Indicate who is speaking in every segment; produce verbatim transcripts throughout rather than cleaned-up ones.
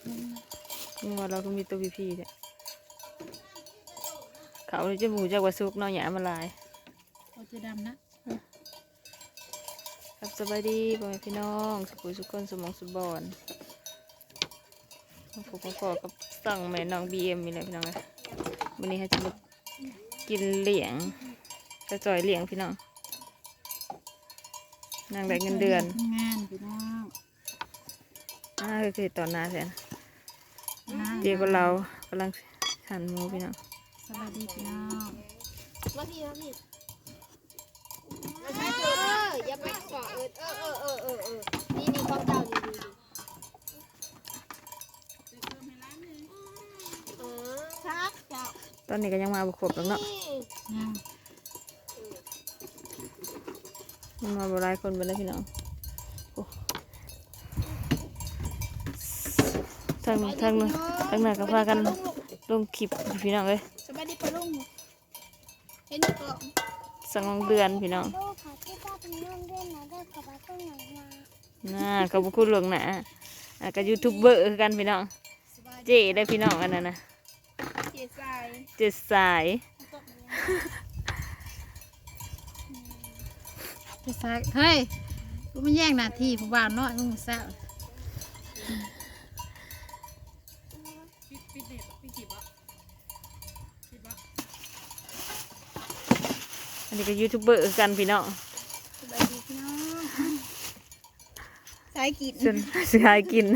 Speaker 1: งัวเราก็มีตัวพีพีเนี่ยเขาเลยจะหมูจากวัดซุกเนาะหยามาลาย
Speaker 2: โอจะดำนะครับ
Speaker 1: สบายดีพ่อแม่พี่น้องสุขุสุขคนสมองสุบอนผมก็ขอกับสั่งแม่น้องบีเอ็มมีอะไรพี่น้องเลยวันนี้ให้จะมากินเหลียงกระจอยเหลียงพี่น้องนางได้เงินเดือน
Speaker 2: งานพี่น้อง
Speaker 1: อ่าคือตอนนาแสนเดี๋ยวก็เรากำลังหั่นหมูพี่น้อง
Speaker 2: สวัสดีพี่น้อง
Speaker 3: มาพี่มาพี่เอออย่าไปเกาะเออเออเออเออเออนี่นี่ความเจ้านี่ดีเออชักเจ้า
Speaker 1: ตอนนี้ก็ยังมาบุกครบแล้วเนาะยังมาบรายคนไปแล้วพี่น้องทั้งทั้งทั้งหน้าก็พากันลงคลิปพี่น้องเลย
Speaker 3: สบายดีปะลุงเห็นก็
Speaker 1: สังเดือนพี่น้องน่ากับบุคคลหลวงหนาอ่ะกับยูทูบเบอร์กันพี่น้องเจ๊ได้พี่น้องอันนั้นนะ
Speaker 3: เจ๊สาย
Speaker 1: เจ๊สาย
Speaker 2: เจ๊สายเฮ้ยกูไม่แย่งหน้าที่ผู้บ่าวน้อยมึงแซ่บ
Speaker 1: อันนี้ก็ยูทูบเบอร์กันพี่น้อง
Speaker 3: สบายดีพี่น้องสายกิน
Speaker 1: ส่วนสายกิน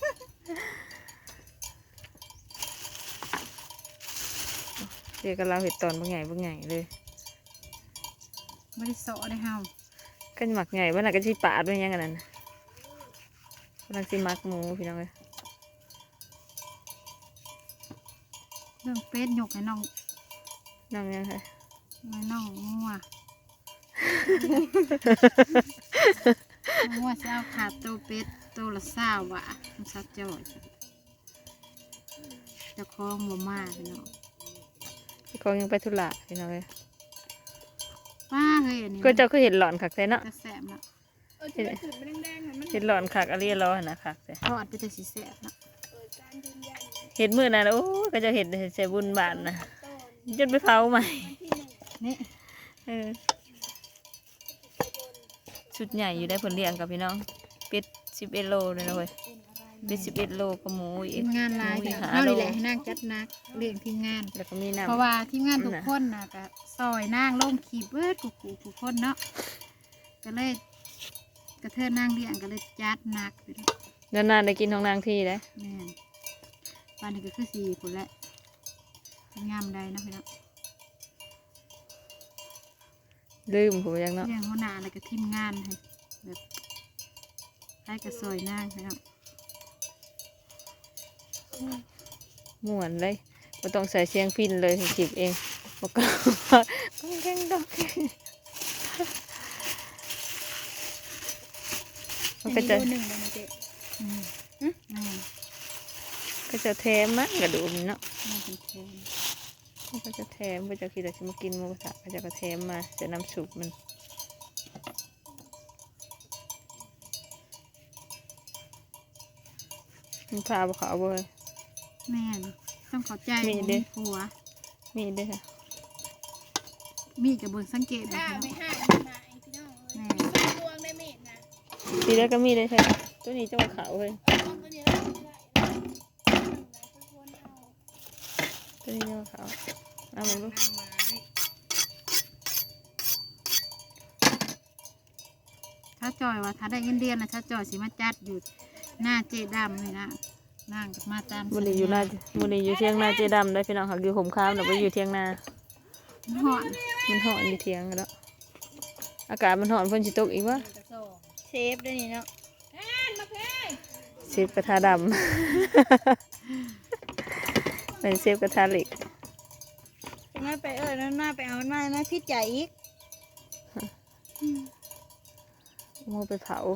Speaker 1: เดี๋ยวก็เราเห็ดตอนบางไงบางไงเลย
Speaker 2: ไม่ได้โซ่ได้เฮา
Speaker 1: ก็หมักไงว่าน่ะก็ชีปาดด้วยยังกันนั่นกำลังซีมักหมูพี่น้องเลย
Speaker 2: เรื่องเป็ดหยกให้น้อง
Speaker 1: น้องยังไง
Speaker 2: ไม่น้องงัวงัวจะเอาขาดโตเป็ดโตละเศร้าว่ะมันซัดจ่อยจะคล้องบ่มากพี่น้อง
Speaker 1: พี่คองยังไปธุระพี่น้องเลย
Speaker 2: ป้าเฮ้ยอันนี้
Speaker 1: ก็เจ้าก็เห็นหลอนขักแท้เนาะ
Speaker 2: จะแสบเนาะ
Speaker 1: เห็นหลอนขักอะไรร้อนนะขักแท้
Speaker 2: ทอดไปจะสีแสบเนาะ
Speaker 1: เห็นมือนะโอ้ก็จะเห็นใส่บุญบานนะจนไปเผาใหม่
Speaker 2: นี่
Speaker 1: เออชุดใหญ่อยู่ได้ผลเลี้ยงกับพี่น้องเป็ดสิบเอ็ดโลเลยนะเว้ยเป็ดสิบเอ็ดโลกับหมูอีก
Speaker 2: งานลายเท่านี้แหละนั่งจัดนักเลี้ยงทีมงาน
Speaker 1: แล้วก็มีน้ำ
Speaker 2: เพราะว่าทีมงานทุกคนนะก็ซอยนั่งลงขีเบิดกุกุทุกคนเนาะก็เลยกระเทือนนั่งเลี้ยงก็เลยจัดนัก
Speaker 1: นานๆได้กินของนางที่ได้
Speaker 2: แม่ปานนี้ก็คือสี่คนแหละงามใดนะพี่น้อง
Speaker 1: ลืมผมยังเนาะ
Speaker 2: เลี้ยงหัวหน้าอะไรก็ทีมงานให้แบบให้กระซอยนั่งพี่น้อง
Speaker 1: ม่วนเลยไม่ต้องใส่เสียงพินเลยจีบเองบอกก็ก้องแกงดอกมันก็จะก็จะแถมมั้งกระดูกเนาะมันก็จะแถมก็จะคิดว่าจะมากินหมูกระทะก็จะกระแถมมาจะน้ำซุปมันมันพาไปเขาเลย
Speaker 2: แม่ต้องขอใจมีเด้หัว
Speaker 1: มีเด้ค่ะ
Speaker 2: มีกับบนสังเกต
Speaker 3: ถ้าไม่ห้าพี่น้องแม่ดวงได้เม็ดนะ
Speaker 1: ทีแล้วก็มีได้ใช่ตัวนี้จะมาเขาเลยตัวนี้จะมาเขาเอามาลูก
Speaker 2: ถ้าจอยว่าถ้าได้เงินเดือนนะถ้าจอยสิมาจัดอยู่หน้าเจดำเลยนะนั่งมาตาม
Speaker 1: บุรีอยู่หน้าบุรีอยู่เที่ยงหน้าเจดำได้พี่น้องค่ะอยู่ห่มข้ามหรือว่าอยู่เที่ยงหน้า
Speaker 2: มันหอน
Speaker 1: มันหอนอยู่เที่ยงแล้วอากาศมันหอนฝนชิตกอีกวะ
Speaker 3: เชฟด้วยนี่เนาะ
Speaker 1: เชฟกระทะดำเป็นเชฟกระทะเหล็ก
Speaker 3: น่าไปเออน่าไปเอาหน้าหน้าพิษใหญ่อีก
Speaker 1: โม่ไปเผา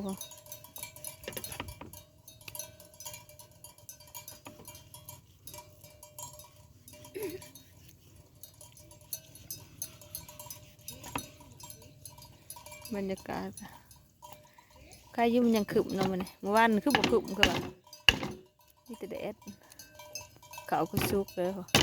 Speaker 1: บรรยากาศใครยุ่มยังขึมเนาะมันเมื่อวานคือบกขึมคือแบบแต่แดดเขาก็สุกเลยค่ะ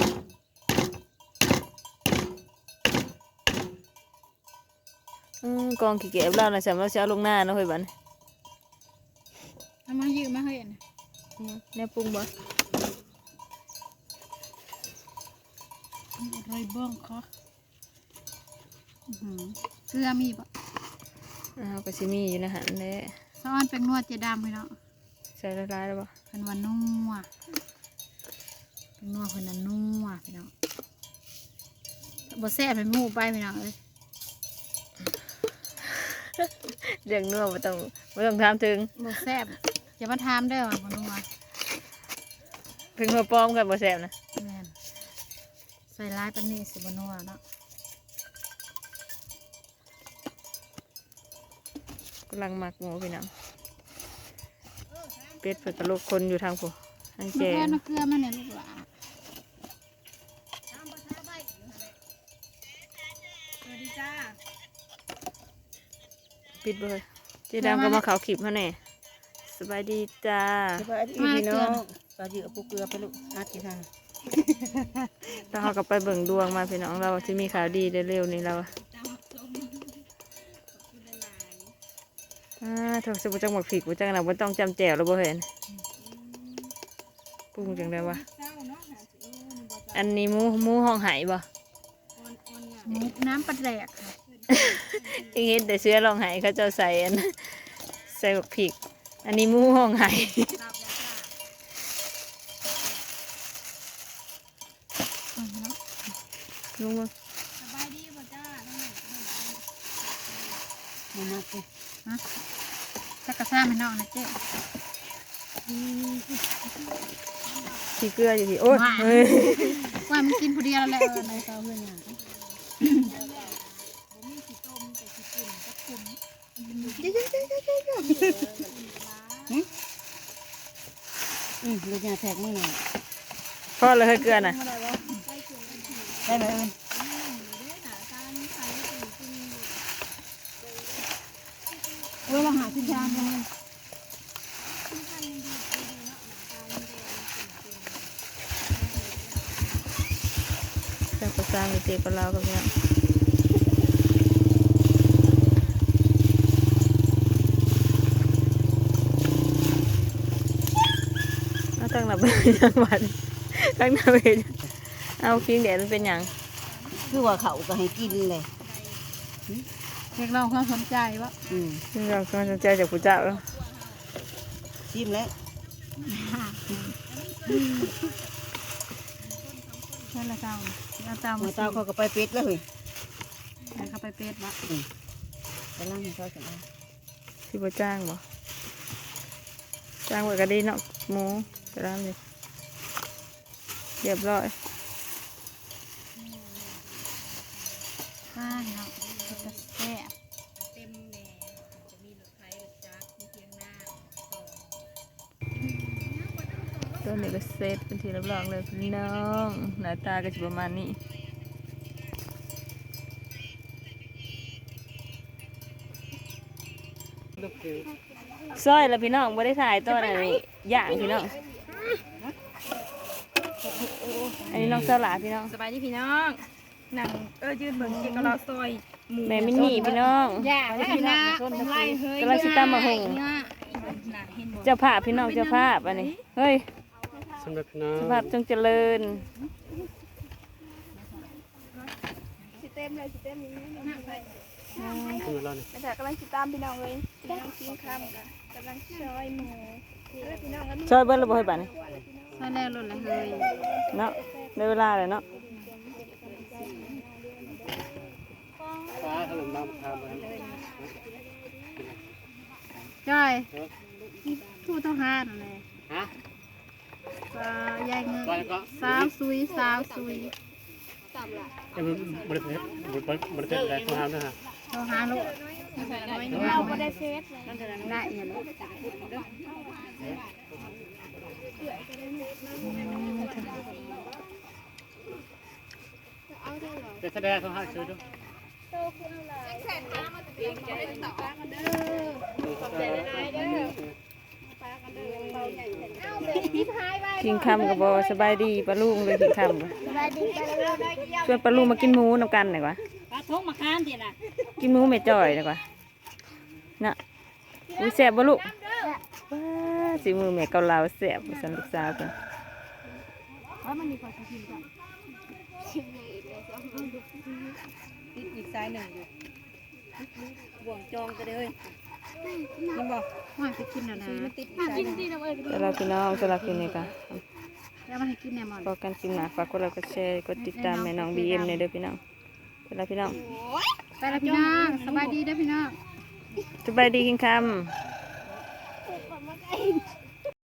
Speaker 1: อืมกองขี้เกียจเราน่ะสำหรับเช้าลงหน้าเนาะเฮ้ยบัดน
Speaker 2: เอามายืมมาให้อันน่ะ
Speaker 1: แน่ปรุงบ่
Speaker 2: อะไรบ้างคะอื้อหือเกลือมีปะ
Speaker 1: อ้าวก็สิมีอยู่นะฮะแหละ
Speaker 2: ซ้อนเป็นนวดเจดามพี่น้อง
Speaker 1: ใส่ละลายแล้วบ่
Speaker 2: เป็นวันนัวเป็นนัวเพิ่นน่ะนัวพี่น้องบ่แซ่บเป็นหมูไปพี่น้องเอ้ย
Speaker 1: เรื่องนัวบ่ต้องบ่ต้องถามถึง
Speaker 2: บ่แซ่บอย่ามาถามเด้อว่าบ่นัว
Speaker 1: ถึงหัวปลอมกันบ่แซ่บนะ
Speaker 2: แม่นใส่ร้ายปานนี้สิบ่นัวเนาะ
Speaker 1: กำลังหมักหมูพี่น้องเป็ดเพิ่นก็ลูกคนอยู่ทางผู้ทาง
Speaker 2: มะ
Speaker 1: แจ
Speaker 2: เขือง มะเขือมาเนี่ยลูกหลา
Speaker 1: ปิดเบอร์เจดามก็มาเขาคลิปเขาแน่สบายดีจ้า
Speaker 4: สบายดีพี่น้องสวัสดีกับปูเกลือไปลูกอาทิตย์ค่ะ
Speaker 1: ถ้าเขาก็ไปเบิ่งดวงมาพี่น้องเราที่มีข่าวดีเร็วๆนี่เราอ่าถ้าสมมติจังหวัดผิดว่าจังหวัดต้องจำแจวแล้วบ่เห็นปรุงจังได้วะอันนี้หมูหมูห้องไหบ่
Speaker 2: หมูน้ำปลาแดกค่ะ
Speaker 1: ยังเห็นแต่เสื้อรองไหเขาเจะใส่อันใส่บักผิกอันนี้หมูห้องไห
Speaker 2: เอาเนาะ
Speaker 1: ลุงมึง
Speaker 4: มานักสิ
Speaker 2: ฮะจักกระซ่าไม่นอกนะเจ๊
Speaker 1: ที่เกลืออยู่ที่โอ๊ยเฮ้ย
Speaker 2: ว่ามันกินผู้เดียวแล้วแหละเออในเตาเพื่อนอย่าง
Speaker 4: อืมลูกยาแทกมือหน่อย
Speaker 1: พ่อเลยเฮ้ยเกลือน่ะ
Speaker 4: ได้ไหมเอิญเว้ยมาหาชิ้นชามเลย
Speaker 1: จะประสานกับเจ๊กับเรากับเนี่ยเอาตั้งหลับเป็นยังหวัดตั้งหลับเป็นเอาพิงแดดมันเป็นหยัง
Speaker 4: คือว่าเขาก็ให้กินเลย
Speaker 2: เรียกร้องความสนใจวะ
Speaker 4: อืม
Speaker 1: ซึ่งเราก็สนใจจากผู้เจ้าแล้ว
Speaker 4: ชิมแล้ว
Speaker 2: ใช่ละเจ้าเอาเจ้า
Speaker 4: มา
Speaker 2: มา
Speaker 4: เต้าเขาก็ไปเป็ดแล้วเฮ้ย
Speaker 2: ให้เขาไปเป็ดวะ
Speaker 4: ไปล่างให้เขาเสร็จแล้ว
Speaker 1: ที่บ่จ้างบ่จ้างไว้ก็ดีเนาะหมูจะร้านเลยเรียบร้อย
Speaker 2: ป้าเนาะจะแซ่บ
Speaker 1: ตัวนี้ก็เซตเป็นทีเรียบร้อยเลยพี่น้องหน้าตาก็จะประมาณนี้ซอยแล้วพี่น้องไม่ได้ถ่ายตัวไหนย่างพี่น้องอันนี้น้องสลาพี่น้อง
Speaker 3: สบายดีพี่น้องหนังเออยืนเบิ่งกินกับเราซอยหมู
Speaker 1: แม่มินนี่พี่น้อง
Speaker 3: ย่าแล้วพี่น้องไล่เฮ้ย
Speaker 1: กำลังสิตามมาหง
Speaker 3: หนังเห็นบ่
Speaker 1: เจ้าภาพพี่น้องเจ้าภาพอันนี้เฮ้ย
Speaker 5: สำหรับพี่น้อง
Speaker 1: เจ้าภาพจงเจริญ
Speaker 3: สิเต็มเลยสิเต็มนี้
Speaker 5: สำหรับเราเนี่ย
Speaker 3: แต่ถ้ากำลังสิตามพี่น้องเลยพี่น้องกินข้าวกันกำลังซอยหมูเออพี่น้องก็มี
Speaker 1: ช่วยเบิ้ลระเบิดบ้านนี่
Speaker 2: ใส่แล้วหล่นเลยเฮ้ย
Speaker 1: เนาะได้เวลาเลยเนาะ
Speaker 5: ฟ้าถล่มน้ำทานไป
Speaker 2: จ้อยทู่เท่าห้านั่นแหละ
Speaker 5: ฮะ
Speaker 2: สายายเงิน
Speaker 5: ไปก็
Speaker 2: สาวซุยสาวซุย
Speaker 5: เอ็มบริเวณบริเวณบริเวณแรกของเรานะฮะ
Speaker 2: เท่าห้าโล
Speaker 3: เราไม่ได้เฟซเลย
Speaker 2: ได้เห็น
Speaker 5: เด็กแสดงของเราช่วยด้วย
Speaker 3: แขนตามมาเตียงจะได้ต่อกันเด้อขอบใจหลายๆเด้อปลากันเด้อเบาใหญ่เอ้า
Speaker 1: กินคำกับบอสบายดีปลาลุงเลยกินคำกันชวนปลาลุงมากินหมูนำกันหน่อยกว่า
Speaker 4: ปลาทงมาค้านเดี๋ยวนะ
Speaker 1: กินหมูแม่จ่อยหน่อยกว่าน่ะดูแซ่บบ่ลูกว้าสิมือแม่เกาเหลาแซ่บสันลูกสาวเพิ่น
Speaker 4: ติดอีกสายหนึ่งอยู่บ่วงจองกันเลยมันบอก
Speaker 2: ว่าไปกินแล้วนะ
Speaker 4: มันติดอีกสายหนึ่ง
Speaker 1: สำหรับพี่น้องสำหรับคลิปนี้ก็
Speaker 2: แล้วมาให้กินแน่มอน
Speaker 1: พอกันคลิปหน้าฝากกดไลค์กดแชร์กดติดตามแม่น้องบีเอ็มในเด้อพี่น้องสำหรับพี่น้อง
Speaker 2: ไปแล้วพี่น้องสบายดีเด้อพี่น้อง
Speaker 1: สบายดีกินคำ